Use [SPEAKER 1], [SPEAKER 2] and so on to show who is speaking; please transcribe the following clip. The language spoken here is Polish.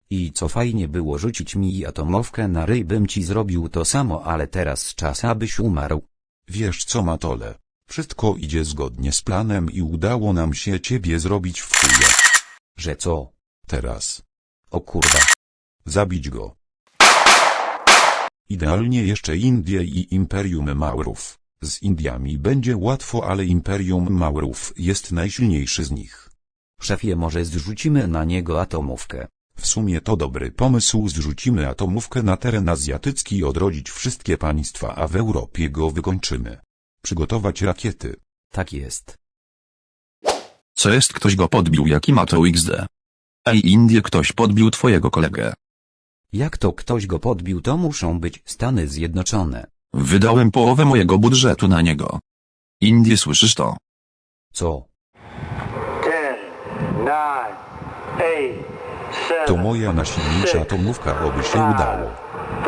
[SPEAKER 1] I co fajnie było rzucić mi atomówkę na ryj, bym ci zrobił to samo, ale teraz czas abyś umarł.
[SPEAKER 2] Wiesz co, Matole? Wszystko idzie zgodnie z planem i udało nam się ciebie zrobić w chuja.
[SPEAKER 1] Że co?
[SPEAKER 2] Teraz.
[SPEAKER 1] O kurwa.
[SPEAKER 2] Zabić go. Idealnie jeszcze Indie i Imperium Maurów. Z Indiami będzie łatwo, ale Imperium Maurów jest najsilniejszy z nich.
[SPEAKER 1] Szefie, może zrzucimy na niego atomówkę.
[SPEAKER 2] W sumie to dobry pomysł, zrzucimy atomówkę na teren azjatycki i odrodzić wszystkie państwa, a w Europie go wykończymy. Przygotować rakiety.
[SPEAKER 1] Tak jest.
[SPEAKER 3] Co jest, ktoś go podbił, jaki ma to XD? Ej, Indie, ktoś podbił twojego kolegę.
[SPEAKER 1] Jak to ktoś go podbił, to muszą być Stany Zjednoczone.
[SPEAKER 3] Wydałem połowę mojego budżetu na niego. Indie, słyszysz to?
[SPEAKER 1] Co?
[SPEAKER 4] 10, 9, 8, 7,
[SPEAKER 2] To moja najsilniejsza atomówka, oby się udało.